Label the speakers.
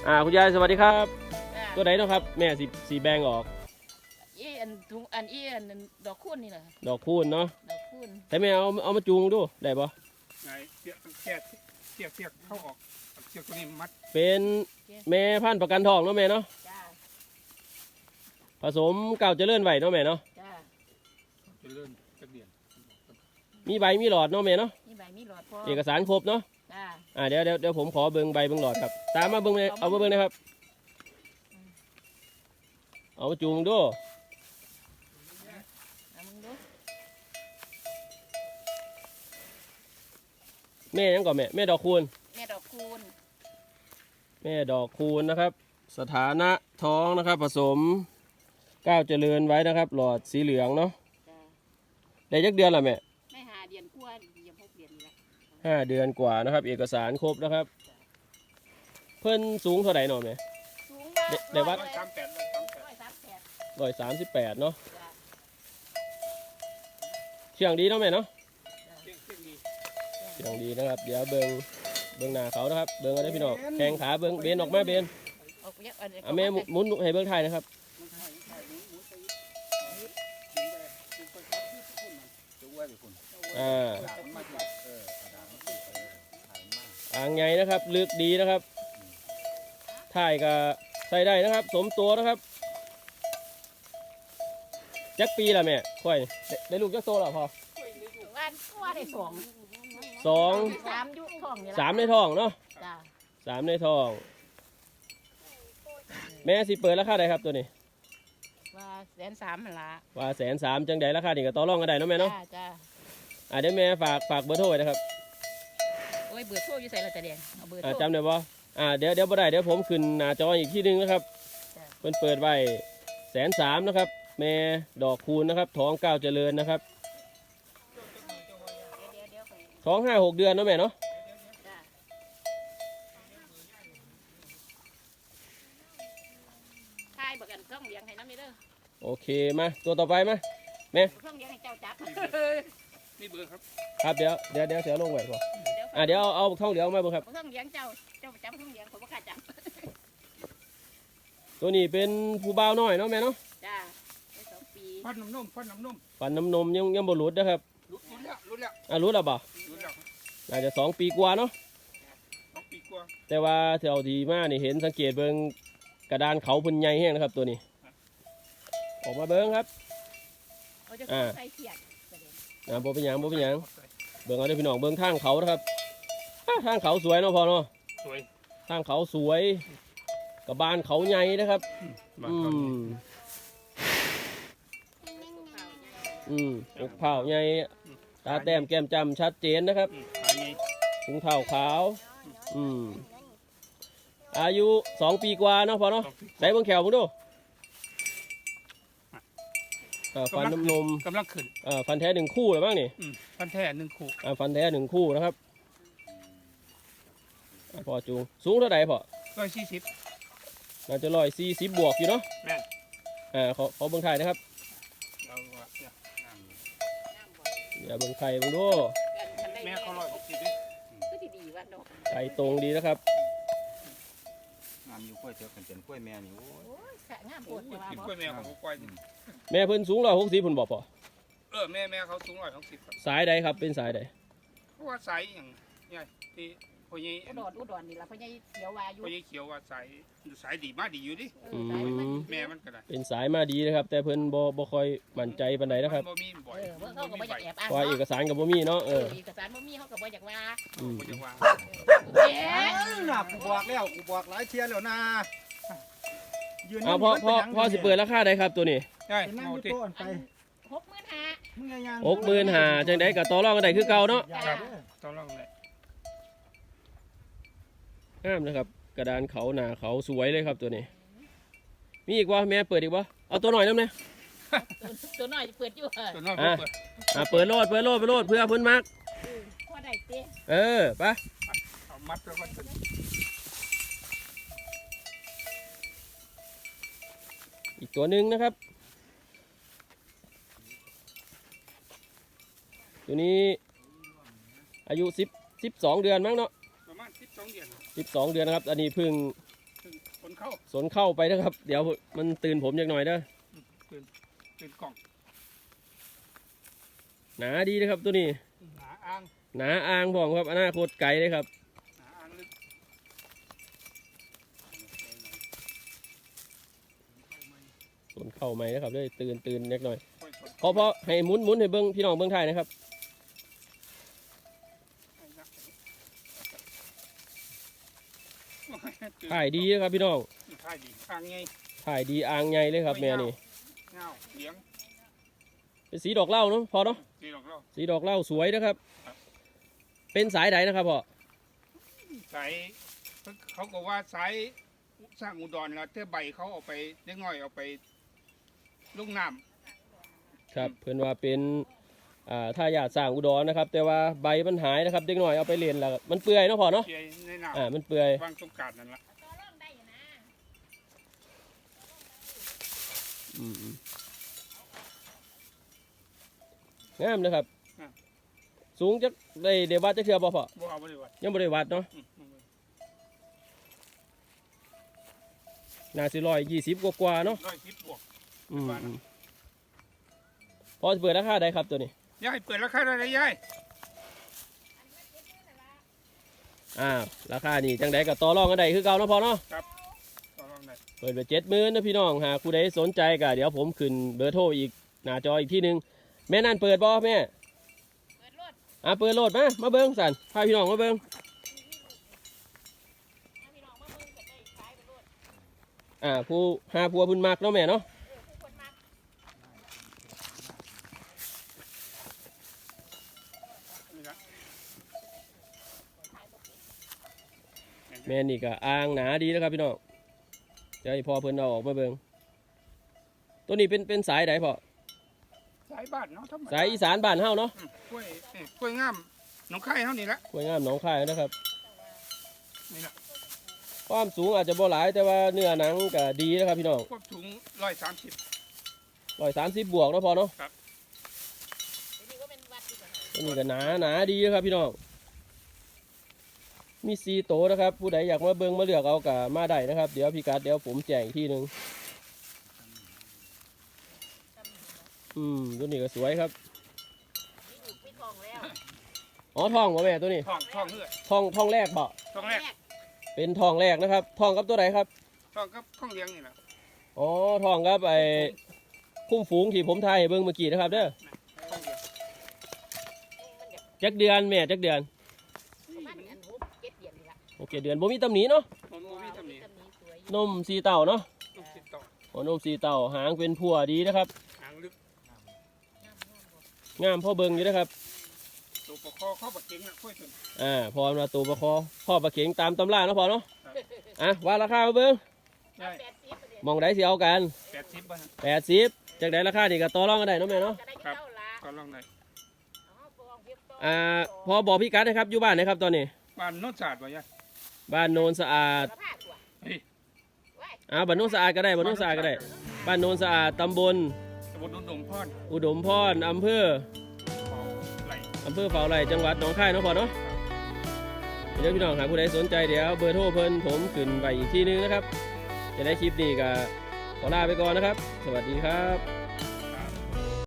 Speaker 1: คุณยายสวัสดีครับตัวไหนเนาะครับแม่สีแบงออก
Speaker 2: อันถุงอันดอกคูณนี่แหละ
Speaker 1: ดอกคูณเนาะ
Speaker 2: ดอกคูณ
Speaker 1: แต่แม่เอามาจูงดูได้ปะ
Speaker 3: ไงเสียกเข้าออกเสียกตัวนี้มัด
Speaker 1: เป็นแม่พันธุ์ประกันทองเนาะแม่เนาะ
Speaker 2: จ้า
Speaker 1: ผสมเก่าเจริญไหวเนาะแม่เนาะ
Speaker 2: จ้า
Speaker 3: จะเริ่มจะเดียน
Speaker 1: มีใบมีหลอดเนาะแม่เนาะ
Speaker 2: มีใบมีหลอดพอ
Speaker 1: เอกสารครบเนาะ
Speaker 2: จ้า
Speaker 1: เดี๋ยวผมขอเบิ้งใบเบิ้งหลอดครับตามมาเบิ้งเอามาเบิ้งนะครับเอามาจูงดูแม่ยังก่อนแม่ดอกคูณ
Speaker 2: แม่ดอกคูณ
Speaker 1: แม่ดอกคูณนะครับสถานะท้องนะครับผสมก้าวเจริญไว้นะครับหลอดสีเหลืองเนาะได้ยักเดือนละแม่
Speaker 2: ไม่5 เดือนกว่ายัง6 เดือนนี่แหละ
Speaker 1: 5 เดือนกว่านะครับเอกสารครบนะครับเพิ่นสูงเท่าไหร่หน่อยไหม
Speaker 2: สูงมา
Speaker 1: เดี๋ยววัด
Speaker 3: 138
Speaker 1: เนาะเชียงดีเนาะแม่เนาะเชียงดีนะครับเดี๋ยวเบิ้งหน้าเขานะครับเบิ้งอะไรพี่น้องแข้งขาเบิ้งเบนออกมาเบนแม่หมุนให้เบิ้งไทยนะครับอ่างไงนะครับลึกดีนะครับถ่ายก็ใส่ได้นะครับสมตัวนะครับจักปีละแม่ค่อยได้ลูกจักโตแล้วพอ
Speaker 2: วันว่าได้2
Speaker 1: 3
Speaker 2: ยุท้องนี่
Speaker 1: 3ในท้องเนาะ
Speaker 2: จ้า
Speaker 1: 3ในท้องแม่สิเปิดราคาใดครับตัวนี้
Speaker 2: ว่า130,000มันละ
Speaker 1: ว่า130,000จังใดราคานี่ก็ต่อรองกันได้เนาะแม่เนาะ
Speaker 2: จ้า
Speaker 1: เดี๋ยวแม่ฝากเบอร์โทรไว้นะครับ
Speaker 2: โอ้ยเบอร์โทรอยู่ใส่ละจะแดงเอาเบอร์โทร
Speaker 1: จำได้ป่ะเดี๋ยวบ่ได้เดี๋ยวผมขึ้นหน้าจออีกที่นึงนะครับเปิดไว้130,000นะครับแม่ดอกคูณนะครับท้องก้าวเจริญนะครับท้อง5-6 เดือนเนาะแม่เนาะ
Speaker 2: ทายบอกกันเครื่องเลี้ยงให้น้ำนี่เด้อ
Speaker 1: โอเคมาตัวต่อไปมาแม่
Speaker 2: เครื่องเลี้ยงให้เจ้าจับ
Speaker 3: นี่เบอร์ครับ
Speaker 1: ครับเดี๋ยวเสียลงไว้ก่อนเดี๋ยวเอาท้องเหลืองมาเบิ่งครับ
Speaker 2: เครื่องเลี้ยงเจ้าจับเครื่องเลี้ยงผมบ่กล้าจับ
Speaker 1: ตัวนี้เป็นผู้บ่าวน้อยเนาะแม่เนาะ
Speaker 2: จ้าได้2 ปี
Speaker 3: ฟันน้ำนม
Speaker 1: ฟันน้ำนมยังบ่หลุดนะครับ
Speaker 3: รุดแล้ว
Speaker 1: รุดแล้วบ่น่าจะ2 ปีกว่าเนาะ
Speaker 3: 2 ปีกว่า
Speaker 1: แต่ว่าแถวดีมากนี่เห็นสังเกตเบิ่งกระดานเขาพุ่นใหญ่แห้งนะครับตัวนี้ออกมาเบิ่งครับ
Speaker 2: ใส่เสียด
Speaker 1: บ่เป็นหยังเบิ่งเอาเด้อพี่น้องเบิ่งทางเขานะครับทางเขาสวยเนาะพอเนาะ
Speaker 3: สวย
Speaker 1: ทางเขาสวยกระบานเขาใหญ่นะครับอกเผาใหญ่ตาแต้มแก้มจำชัดเจนนะครับถุงเท้าขาวอายุ2 ปีกว่าเนาะพอเนาะใส่เบิ่งแขวมึงดูฟันน้ำนม
Speaker 3: กำลังขึ้น
Speaker 1: ฟันแท้1 คู่เลยบ้างนี่
Speaker 3: ฟันแท้1 คู่
Speaker 1: ฟันแท้1 คู่นะครับพอจูงสูงเท่าไหร่พอ
Speaker 3: 140
Speaker 1: น่าจะ140บวกอยู่เนาะ
Speaker 3: แม่
Speaker 1: ขอเบิ่งไข่นะครับอย่าเบิ่งไข่เบิ่งดู
Speaker 3: แม่เขา160
Speaker 1: ไข่ตรงดีนะครับ
Speaker 4: งามอยู่กล้วยเถอะเป็นกล้วยแม่นี่โอ้
Speaker 2: ยงามปวด
Speaker 3: กินกล้วยแม่ของกล้วย
Speaker 1: แม่เพิ่นสูง160พุ่นบ่พอ
Speaker 3: แม่เขาสูง160ครับ
Speaker 1: สายใดครับเป็นสายใด
Speaker 3: เพราะว่าสายอย่างเนี่ยที่พ่อใหญ่
Speaker 2: อุดรนี่ล่ะพ่อใหญ่เขียวว่าอยู่
Speaker 3: พ่อใหญ่เขียวว่าสายดีมาดีอยู่ดิแม่มันก็ได้
Speaker 1: เป็นสายมาดีนะครับแต่เพิ่นบ่ค่อยมั่นใจปานใดนะครับ
Speaker 3: บ่มีบ่อย
Speaker 2: เขาก็บ่อยากแอบอ้าง
Speaker 1: ว่าเอกสารก็บ่มีเนาะ
Speaker 2: เอกสารบ่มีเขาก็บ่อยากว่า
Speaker 3: บ่อยากว่า
Speaker 4: น่ะกูบอกแล้วกูบอกหลายเที่ยแล้วนะ
Speaker 1: พ่อสิเปิดราคาได้ครับตัวนี้
Speaker 3: ใช่
Speaker 4: เอาที่
Speaker 1: 65,000จังได๋ก็ต่อรองกันได้คือเก่าเนาะ
Speaker 3: ต่อรองได้
Speaker 1: งามนะครับกระดานเขาหนาเขาสวยเลยครับตัวนี้มีอีกวะแม่เปิดอีกวะเอาตัวหน่อยน้ำเนี่ย
Speaker 2: ตัวหน่อยเปิดอยู่
Speaker 3: ตัวน้อย
Speaker 1: เปิดโลดเพื่อเพิ่นมัก
Speaker 2: พอได้เต้
Speaker 1: ไป
Speaker 3: เอามัดแล้วมัน
Speaker 1: อีกตัวหนึ่งนะครับตัวนี้อายุ12 เดือนมั้งเนาะ
Speaker 3: ประมาณ12 เดือน
Speaker 1: นะครับอันนี้เพิ่ง
Speaker 3: เข้า
Speaker 1: สนเข้าไปนะครับ เดี๋ยวมันตื่นผมอย่างหน่อยเด้อ
Speaker 3: ตื่นกล่อง
Speaker 1: หนาดีนะครับตัวนี้
Speaker 3: หนาอ่าง
Speaker 1: หนาอ่างพร้อมครับอนาคตไกลเลยครับ
Speaker 3: หนาอ่างลึก
Speaker 1: สนเข้าไหมนะครับเลยตื่นเล็กหน่อย
Speaker 3: ค่อยสด
Speaker 1: พอให้หมุนให้เบิ้งพี่น้องเบิ้งไทยนะครับ
Speaker 3: ให้นักตื่น
Speaker 1: ถ่ายดีนะครับพี่น้อง
Speaker 3: ถ่ายดีอ่างไง
Speaker 1: ถ่ายดีอ่างใหญ่เลยครับแม่นี่
Speaker 3: เงาเลี้ยง
Speaker 1: เป็นสีดอกเหล้าเนาะพอเนาะ
Speaker 3: ดีหรอกเรา
Speaker 1: สีดอกเหล้าสวยนะครับ
Speaker 3: ครับ
Speaker 1: เป็นสายไหนนะครับพ่อ
Speaker 3: สายเขาก็ว่าสายสร้างอุดรแล้วเท่าใบเขาเอาไปเล็กน้อยเอาไปลูกน้ำ
Speaker 1: ครับเพื่อนว่าเป็นถ้าอยากสร้างอุดรนะครับ แต่ว่าใบมันหายนะครับเด็กหน่อยเอาไปเรียนแล้วมันเปื่อยเนาะพ่อเนาะ
Speaker 3: เจียในน้ำ
Speaker 1: มันเปื่อย
Speaker 3: วางสงกรารนั่นละ
Speaker 1: อืมงามนะครับ สูงจักได้วัดจักเทื่อบ่พ่อ
Speaker 3: บ่เอาบริวาร
Speaker 1: ยังบ่ได้วัดเนาะน่าสิ120กว่าๆเนาะ
Speaker 3: 110 บวก
Speaker 1: อืม
Speaker 3: ว่านะ
Speaker 1: พอสิเปิดราคาได้ครับตัวนี้
Speaker 3: ยายเปิดราคาได้ยาย
Speaker 1: ราคานี่จังไดก็ต่อรองกันได้คือเก่าเนาะพ่อเนาะ
Speaker 3: ต่อรองได้
Speaker 1: เปิดไป70,000นะพี่น้องหากผู้ใดสนใจก็เดี๋ยวผมขึ้นเบอร์โทรอีกหน้าจออีกที่นึงแม่นั่นเปิดบ่แม่
Speaker 2: เปิดรถ
Speaker 1: เปิดโหลดมาเบิ้งสันพาพี่น้องมาเบิ้ง
Speaker 2: พี่น้องมาเบิ่งกันได้ขายไปรถ
Speaker 1: ผู้หาผัวเพุ่นมักเนาะแม่เนาะ
Speaker 2: ผู้คนมา
Speaker 3: นี่ละ
Speaker 1: แม่นี่ก็อ่างหนาดีนะครับพี่น้องเดี๋ยวให้พ่อเพิ่นเอาออกมาเบิ้งตัวนี้เป็นสายใดพ่อ
Speaker 3: สายบ้านเนาะธรรมด
Speaker 1: สายอีสานบ้านเฮาเนาะ
Speaker 3: กล้วยกล้วยงามหนองไข่เท่านี้ละ
Speaker 1: กล้วยงามหนองคายนะครับ
Speaker 3: นี่ละ
Speaker 1: ความสูงอาจจะบ่หลายแต่ว่าเนื้อหนังก็ดีนะครับพี่น้อง
Speaker 3: ควบถุง130
Speaker 1: 130บวกเนาะพ่อเนาะ
Speaker 2: เดี๋ยวนี้ก็เป็นวัดดีกว่า
Speaker 1: ตัวนี้ก็หนาดีนะครับพี่น้องมี4โตวนะครับผู้ใดอยากมาเบิ้งมาเลือกเอาก็มาได้นะครับเดี๋ยวพี่กัดเดี๋ยวผมแจ้งอีกทีนึงตัวนี้ก็สวยครับ
Speaker 2: มีลูกมีทองแล้ว
Speaker 1: อ๋อทองบ่แม่ตัวนี้
Speaker 3: ทองเลือด
Speaker 1: ทองแรกบ่
Speaker 3: ทองแรก
Speaker 1: เป็นทองแรกนะครับทองกับตัวไหนครับ
Speaker 3: ทองกับข้องเลี้ยงนี่แหละ
Speaker 1: อ๋อทองครับคุ้มฝูงที่ผมทายให้เบิ่งเมื่อกี้นะครับเด้อ
Speaker 3: ข้องเลี้ยง
Speaker 2: มันเดี๋ยว
Speaker 1: จักเดือนแม่จักเดือน
Speaker 2: ประมาณอันหู7 เดือนนี่ละ
Speaker 1: โอเคเดือนบ่มีตำหนิเนาะ
Speaker 3: มันมีตำหนิ
Speaker 2: ตำหนิสวย
Speaker 1: นมสีเต่าเนาะ
Speaker 3: ต้องติดต่อ
Speaker 1: อ๋อนมสีเต่าหางเป็นพั่วดีนะครับ
Speaker 3: หางลึก
Speaker 1: งามพ่อเบิ่งอยู่นะครับ
Speaker 3: ตัวปกคอเข้าบักเก่งนะค่อยถึง
Speaker 1: พอมาตัวประคอพ่อประเข็งตามตำราเนาะพ่อเนาะว่าราคามาเบิ่ง
Speaker 3: ได้
Speaker 2: 80ประเดี๋ยว
Speaker 1: มองได้สิเอากัน
Speaker 3: 80บาท
Speaker 1: 80จักได้ราคานี่ก็ต่อรองกันได้เนาะแม่เนาะ
Speaker 2: ก็ได้เท่าละ
Speaker 3: ก็ลองได้
Speaker 2: อ๋อปองเพียบต่อ
Speaker 1: พอบอกพี่กัดนะครับอยู่บ้านนะครับตอนนี้
Speaker 3: บ้านโนนศาสตร์วะยะ
Speaker 1: บ้านโนนสะอาด
Speaker 2: สภาพตัว
Speaker 3: เฮ้ย
Speaker 2: ว้าย
Speaker 1: บ้านโนนสะอาดก็ได้บ้านโนนสะอาดก็ได้บ้านโนนสะอาดตำบล
Speaker 3: ตำบลนุ่นดงพร
Speaker 1: อุดมพรอำเภอ
Speaker 3: ไหล
Speaker 1: ฝาไร่จังหวัดหนองคายเนาะพ่อเนาะเดี๋ยวพี่น้องหากผู้ใดสนใจเดี๋ยวเบอร์โทรเพิ่นผมขึ้นไปอีกที่นึงนะครับจะได้คลิปนี้ก็ขอลาไปก่อนนะครับ สวัสดีครับ